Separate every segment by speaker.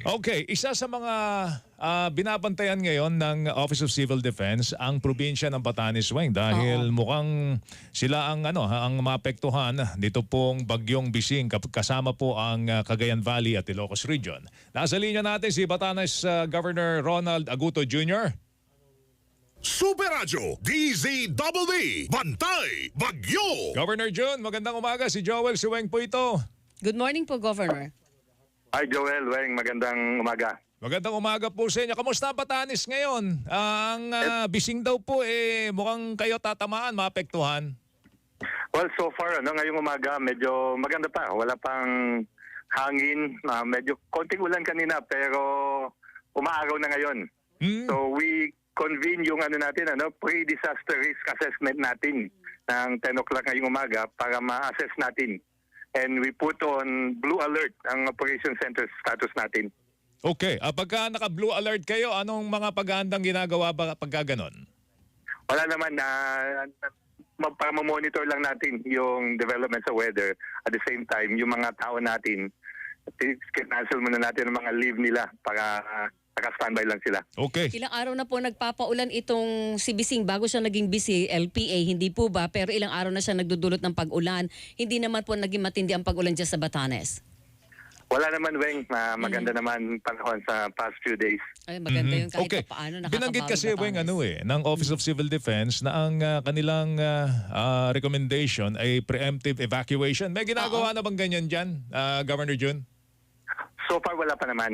Speaker 1: Okay, isa sa mga binabantayan ngayon ng Office of Civil Defense ang probinsya ng Batanes, Weng, dahil mukhang sila ang ang maapektuhan dito pong bagyong Bising kasama po ang Cagayan Valley at Ilocos Region. Nasa linya natin si Batanes Governor Ronald Aguto Jr.
Speaker 2: Super Radio DZDD Bantay Bagyo.
Speaker 1: Governor Jun, magandang umaga. Si Joel Siweng po ito.
Speaker 3: Good morning po, Governor.
Speaker 4: Hi Joel, Weng, magandang umaga.
Speaker 1: Magandang umaga po sa inyo. Kamusta ang Batanes ngayon? Ang Bising daw po mukhang kayo tatamaan, maapektuhan.
Speaker 4: Well, so far, ngayong umaga, medyo maganda pa. Wala pang hangin. Medyo konting ulan kanina, pero umaaraw na ngayon. So we convene yung pre-disaster risk assessment natin ng 10 o'clock ngayong umaga para ma-assess natin. And we put on blue alert ang operation center status natin.
Speaker 1: Okay. Pagka naka-blue alert kayo, anong mga paghahandang ginagawa ba pagka ganon?
Speaker 4: Wala naman na para ma-monitor lang natin yung development sa weather. At the same time, yung mga tao natin, cancel muna natin ang mga leave nila para naka-standby lang sila.
Speaker 1: Okay.
Speaker 3: Ilang araw na po nagpapaulan itong si Bising bago siya naging busy, LPA, hindi po ba? Pero ilang araw na siya nagdudulot ng pag-ulan. Hindi naman po naging matindi ang pag-ulan dyan sa Batanes.
Speaker 4: Wala naman, Weng. Maganda naman panahon sa past few days.
Speaker 3: Ay, maganda yun kahit
Speaker 1: Okay.
Speaker 3: paano
Speaker 1: Binanggit
Speaker 3: nakakabawi
Speaker 1: kasi, Weng,
Speaker 3: Batanes.
Speaker 1: ng Office of Civil Defense na ang kanilang recommendation ay preemptive evacuation. May ginagawa na bang ganyan dyan, Governor Jun?
Speaker 4: So far, wala pa naman.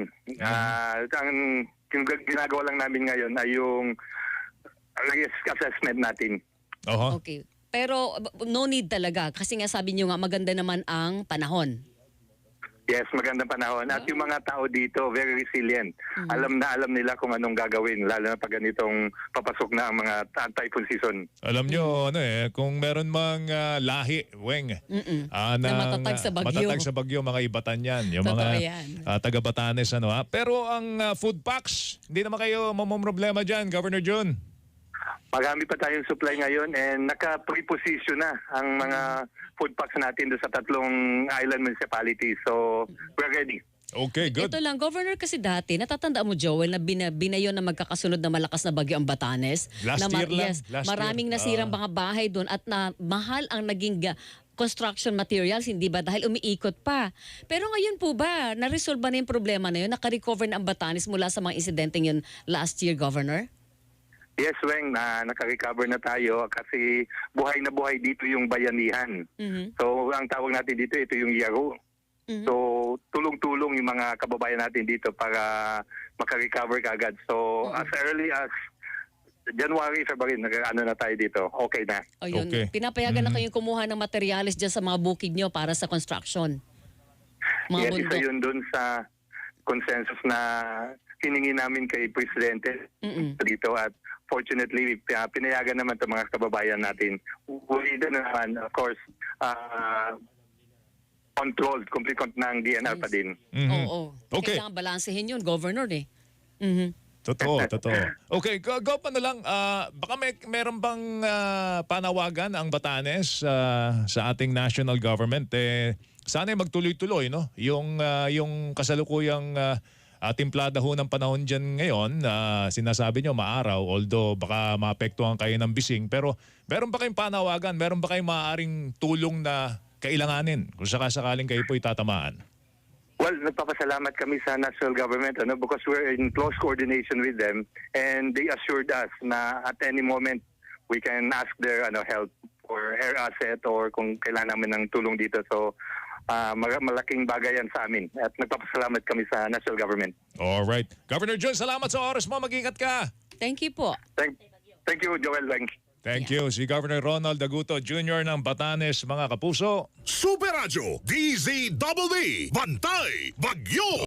Speaker 4: Ang ginagawa lang namin ngayon ay yung risk assessment natin.
Speaker 1: Oho.
Speaker 3: Okay. Pero no need talaga kasi nga sabi niyo nga maganda naman ang panahon.
Speaker 4: Yes, magandang panahon. At yung mga tao dito, very resilient. Alam nila kung anong gagawin, lalo na pag ganitong papasok na ang mga typhoon season.
Speaker 1: Alam nyo, kung meron mang lahi, Weng,
Speaker 3: Na matatag sa bagyo.
Speaker 1: matatag sa bagyo, mga ibatan yan. Yung
Speaker 3: Totoo
Speaker 1: mga
Speaker 3: yan.
Speaker 1: taga-Batanes. Pero ang food packs, hindi naman kayo mamomroblema dyan, Governor Jun.
Speaker 4: Marami pa tayong supply ngayon and naka-preposition na ang mga food packs natin doon sa 3 island municipalities. So, we're ready.
Speaker 1: Okay, good.
Speaker 3: Ito lang, Governor, kasi dati, natatandaan mo, Joel, na binayon na magkakasunod na malakas na bagyo ang Batanes.
Speaker 1: Last year lang.
Speaker 3: Yes,
Speaker 1: Last
Speaker 3: maraming
Speaker 1: year.
Speaker 3: nasirang mga bahay doon at na mahal ang naging construction materials, hindi ba? Dahil umiikot pa. Pero ngayon po ba, na-resolve ba na yung problema na yun? Naka-recover na ang Batanes mula sa mga insidenteng yun last year, Governor?
Speaker 4: Yes, Weng, naka-recover na tayo kasi buhay na buhay dito yung bayanihan. So, ang tawag natin dito, ito yung Yaro. So, tulong-tulong yung mga kababayan natin dito para maka-recover kaagad. So, as early as January, February, na tayo dito. Okay na.
Speaker 3: O yun,
Speaker 1: Okay.
Speaker 3: pinapayagan na kayong kumuha ng materyales dyan sa mga bukid nyo para sa construction. Mga
Speaker 4: Yes, isa
Speaker 3: bundok.
Speaker 4: yun dun sa consensus na hiningi namin kay Presidente dito at fortunately, pinayagan naman itong mga kababayan natin. Ulitin na naman, of course, controlled, complete ng DNR pa din.
Speaker 3: Oo.
Speaker 1: Okay.
Speaker 3: Kailangan balansehin yun, Governor eh.
Speaker 1: Totoo. Okay, go pa na lang. Baka meron bang panawagan ang Batanes sa ating national government? Sana magtuloy-tuloy, no? Yung kasalukuyang timplada ho ng panahon dyan ngayon, sinasabi nyo maaraw, although baka maapektuhan kayo ng Bising. Pero meron ba kayong panawagan? Meron ba kayong maaaring tulong na kailanganin kung sakasakaling kayo po'y tatamaan?
Speaker 4: Well, nagpapasalamat kami sa national government because we're in close coordination with them and they assured us na at any moment we can ask their help or air asset or kung kailangan namin ng tulong dito. So, malaking bagay yan sa amin at nagpapasalamat kami sa national government.
Speaker 1: Alright. Governor Jun, salamat sa oras mo. Mag-ingat ka.
Speaker 3: Thank you po.
Speaker 4: Thank you, Joel Weng.
Speaker 1: Thank you. Si Governor Ronald Aguto Jr. ng Batanes, mga kapuso.
Speaker 2: Super Radio DZDD Bantay Bagyo.